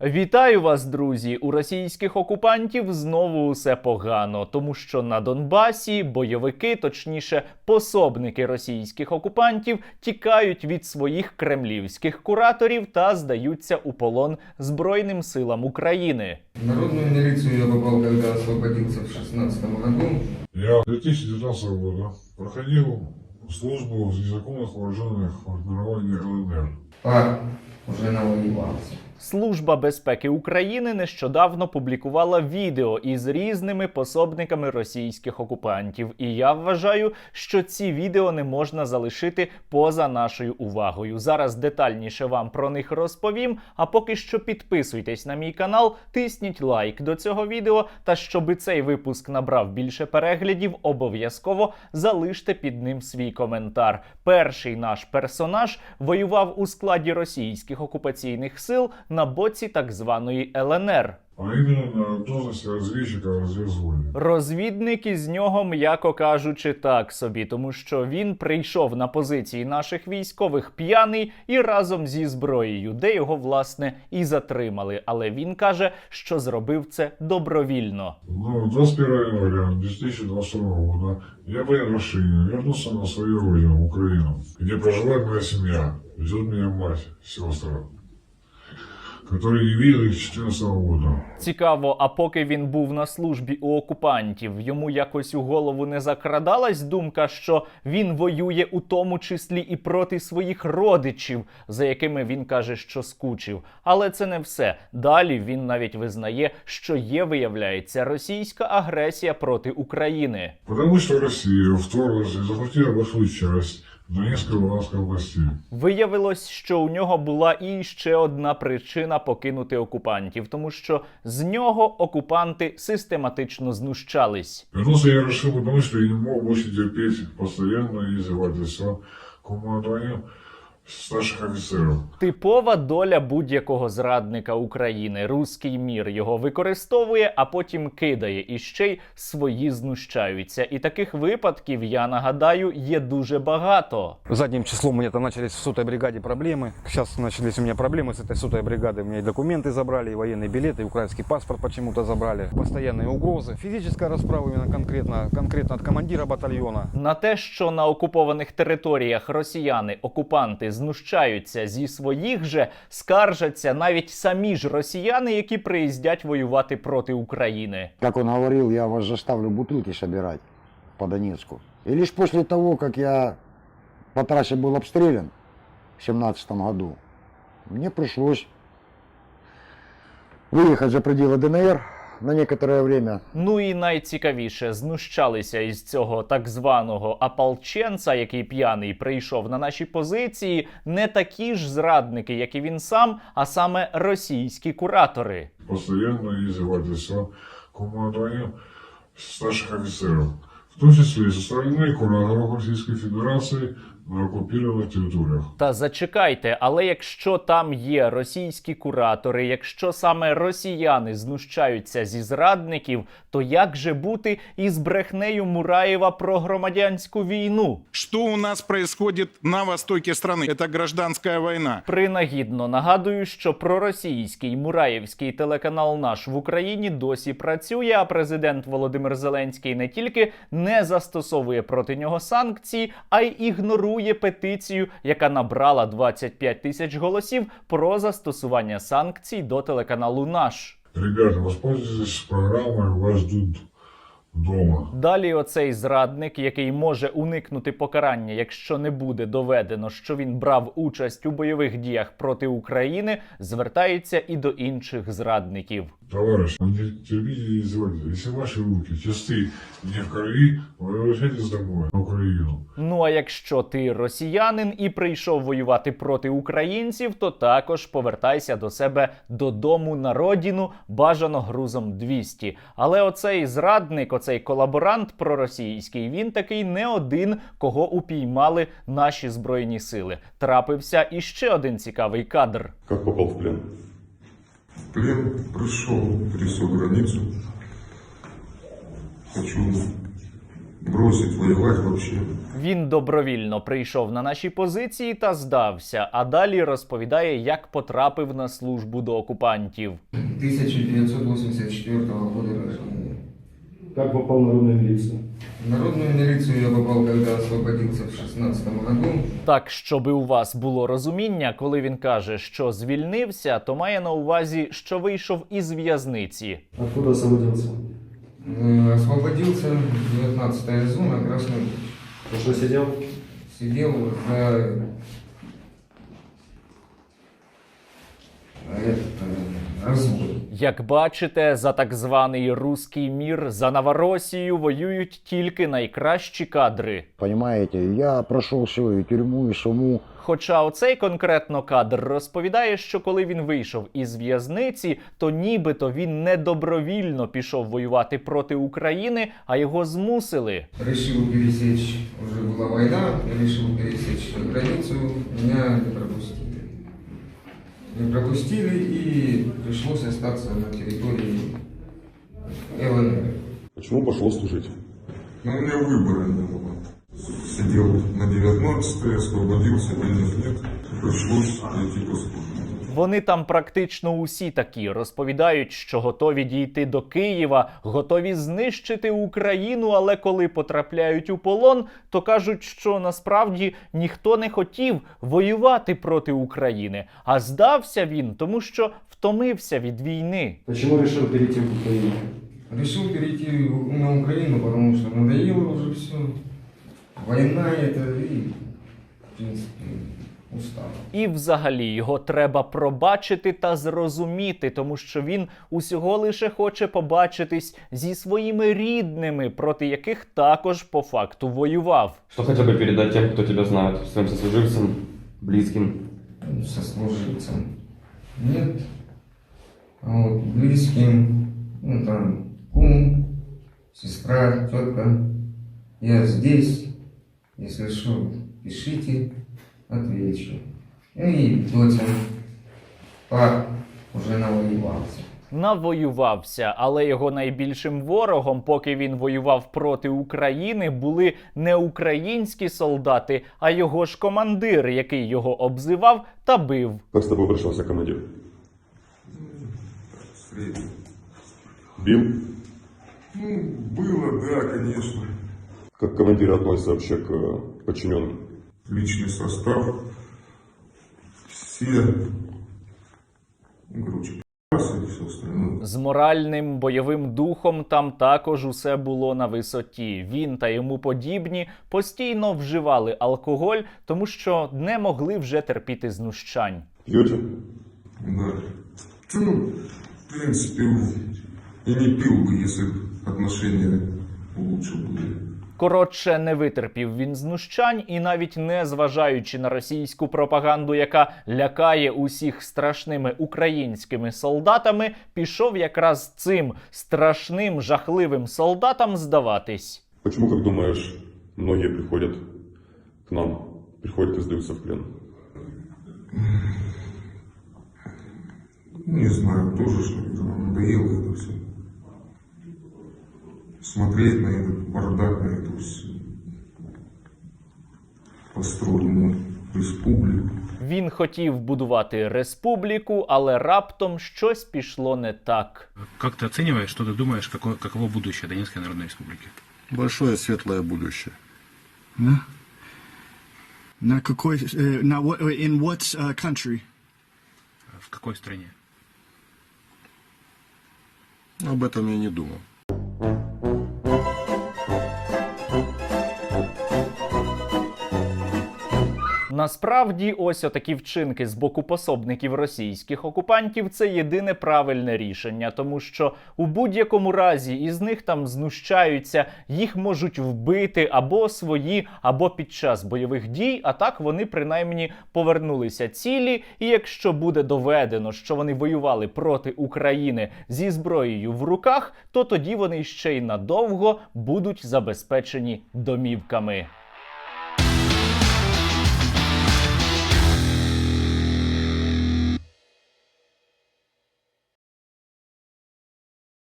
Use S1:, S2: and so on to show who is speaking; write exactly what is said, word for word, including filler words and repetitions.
S1: Вітаю вас, друзі! У російських окупантів знову усе погано, тому що на Донбасі бойовики, точніше пособники російських окупантів, тікають від своїх кремлівських кураторів та здаються у полон Збройним силам України.
S2: Народную милицию я попал, когда освободился в шестнадцатом году.
S3: Я в две тысячи девятнадцатом году проходил службу в незаконных вооруженных формированиях ЛНР.
S2: А, уже навоевался.
S1: Служба безпеки України нещодавно публікувала відео із різними пособниками російських окупантів. І я вважаю, що ці відео не можна залишити поза нашою увагою. Зараз детальніше вам про них розповім, а поки що підписуйтесь на мій канал, тисніть лайк до цього відео, та щоби цей випуск набрав більше переглядів, обов'язково залиште під ним свій коментар. Перший наш персонаж воював у складі російських окупаційних сил на боці так званої ЛНР.
S3: А именно на должности разведчика в разведзвоне.
S1: Розвідник із нього, м'яко кажучи, так собі, тому що він прийшов на позиції наших військових п'яний і разом зі зброєю, де його, власне, і затримали. Але він каже, що зробив це добровільно.
S3: Ну, двадцать первого января две тысячи двадцать второго года я принял решение вернуться на свою родину, в Украину, где проживает моя семья, ждет меня мать, сестра, которые не видели с четырнадцатого года.
S1: Цікаво, а поки він був на службі у окупантів, йому якось у голову не закрадалась думка, що він воює у тому числі і проти своїх родичів, за якими він каже, що скучив. Але це не все. Далі він навіть визнає, що є, виявляється, російська агресія проти України.
S3: Потому что Россия вторглась и захватила большую часть Донецкой и Луганской областей.
S1: Виявилось, що у нього була і ще одна причина покинути окупантів, тому що з нього окупанти систематично знущались.
S3: Вернулся я решил, потому что я не мог больше терпеть постоянное издевательство командования старших офицеров.
S1: Типова доля будь-якого зрадника України. Руський мір його використовує, а потім кидає. І ще й свої знущаються. І таких випадків, я нагадаю, є дуже багато.
S4: Задним числом у меня там начались в сотой бригаде проблемы. Сейчас начались у меня проблемы с этой сотой бригадой. У меня и документы забрали, и военные билеты, и украинский паспорт почему-то забрали. Постоянные угрозы. Физическая расправа именно конкретно, конкретно от командира батальона.
S1: На те, що на окупованих територіях росіяни, окупанти, знущаються зі своїх же, скаржаться навіть самі ж росіяни, які приїздять воювати проти України.
S5: Как он говорил, я вас заставлю бутылки собирать по Донецку. И лишь после того, как я по трассе был обстрелян в семнадцатом году, мне пришлось выехать за пределы ДНР на некоторое время.
S1: Ну і найцікавіше, знущалися із цього так званого ополченця, який п'яний прийшов на наші позиції, не такі ж зрадники, як і він сам, а саме російські куратори.
S3: Постоянное издевательство командования старших офицеров, в том числе и со стороны кураторов Российской Федерации на оккупированных территориях.
S1: Та зачекайте, але якщо там є російські куратори, якщо саме росіяни знущаються зі зрадників, то як же бути із брехнею Мураєва про громадянську війну?
S6: Что у нас происходит на востоке страны? Это гражданская война.
S1: Принагідно нагадую, що проросійський мураєвський телеканал «Наш» в Україні досі працює, а президент Володимир Зеленський не тільки не застосовує проти нього санкції, а й ігнорує петицію, яка набрала двадцять п'ять тисяч голосів про застосування санкцій до телеканалу «Наш».
S3: Ребята, воспользуйтесь программой «Вас ждут дома».
S1: Далі оцей зрадник, який може уникнути покарання, якщо не буде доведено, що він брав участь у бойових діях проти України, звертається і до інших зрадників.
S3: Товарищ, не терпите и издевательства. Если ваши руки чисты не в крови, вы возвращайтесь домой, на Украину.
S1: Ну а якщо ти росіянин і прийшов воювати проти українців, то також повертайся до себе додому на родину, бажано грузом двісті. Але оцей зрадник, оцей колаборант проросійський, він такий не один, кого упіймали наші Збройні сили. Трапився іще один цікавий кадр.
S7: Как попал в плен?
S8: В плен пришел, пересек границу. Хочу бросить воевать вообще.
S1: Він добровільно прийшов на наші позиції та здався, а далі розповідає, як потрапив на службу до окупантів.
S2: тысяча девятьсот восемьдесят четвёртого года рождения.
S7: Как попал в народную милицию?
S2: В народную милицию я попал, когда освободился в шестнадцатом году.
S1: Так, щоби у вас було розуміння, коли він каже, що звільнився, то має на увазі, що вийшов із в'язниці.
S7: Откуда освободился?
S2: Э, Освободился, девятнадцатая зона, Красный Луч.
S7: За что сидел?
S2: Сидел за... этот, э, развод.
S1: Як бачите, за так званий руський мір, за Новоросію воюють тільки найкращі кадри.
S5: Понимаете, я прошел все, и тюрьму, и суму.
S1: Хоча оцей конкретно кадр розповідає, що коли він вийшов із в'язниці, то нібито він не добровільно пішов воювати проти України, а його змусили.
S2: Решил пересечь, уже была война, я решил пересечь границу, меня не пропустили. Не пропустили и пришлось остаться на территории ЛНР.
S8: Почему пошел служить? Ну, у меня выбора не было. Сидел на девятнадцатой, освободился, денег нет. Пришлось идти по службе.
S1: Вони там практично усі такі, розповідають, що готові дійти до Києва, готові знищити Україну, але коли потрапляють у полон, то кажуть, що насправді ніхто не хотів воювати проти України, а здався він, тому що втомився від війни.
S7: Почему решил перейти в Украину?
S2: Решил перейти на Украину, потому что надоело уже все. Война это и, в принципе, устал.
S1: І взагалі його треба пробачити та зрозуміти, тому що він усього лише хоче побачитись зі своїми рідними, проти яких також по факту воював.
S9: Что хотел бы передать тем, кто тебя знает, своим сослуживцам, близким?
S2: Сослуживцам нет, а вот близким, ну там, кум, сестра, тетка, я здесь, если что, пишите, отвечу. Ну и доча, пап уже навоевался.
S1: Навоювався, але його найбільшим ворогом, поки він воював проти України, були не українські солдати, а його ж командир, який його обзивав та бив.
S8: Как с тобой пришелся командир?
S3: Средний.
S8: Бил?
S3: Ну, было, да, конечно.
S8: Как командир относится вообще к э, подчиненным?
S3: Личный состав. Все, ну, короче, и все остальное.
S1: З моральним бойовим духом там також усе було на висоті. Він та йому подібні постійно вживали алкоголь, тому що не могли вже терпіти знущань.
S8: Пьете?
S3: Да. Ну, в принципе, и не пил бы, если бы отношения лучше были.
S1: Коротше, не витерпів він знущань і навіть не зважаючи на російську пропаганду, яка лякає усіх страшними українськими солдатами, пішов якраз цим страшним, жахливим солдатам здаватись.
S8: Почему, как думаешь, многие приходят к нам, приходят и сдаются в плен?
S3: Не знаю, тоже что надоело это все. Смотреть на этот бардак, на эту всю построенную республику.
S1: Він хотів будувати республіку, але раптом щось пішло не так.
S10: Как ты оцениваешь, что ты думаешь, какое, каково будущее Донецкой Народной Республики?
S11: Большое светлое будущее.
S12: На, на какой, uh, на what, in what uh, country?
S10: В какой стране?
S11: Об этом я не думал.
S1: Насправді, ось отакі вчинки з боку пособників російських окупантів – це єдине правильне рішення, тому що у будь-якому разі із них там знущаються, їх можуть вбити або свої, або під час бойових дій, а так вони принаймні повернулися цілі, і якщо буде доведено, що вони воювали проти України зі зброєю в руках, то тоді вони ще й надовго будуть забезпечені домівками.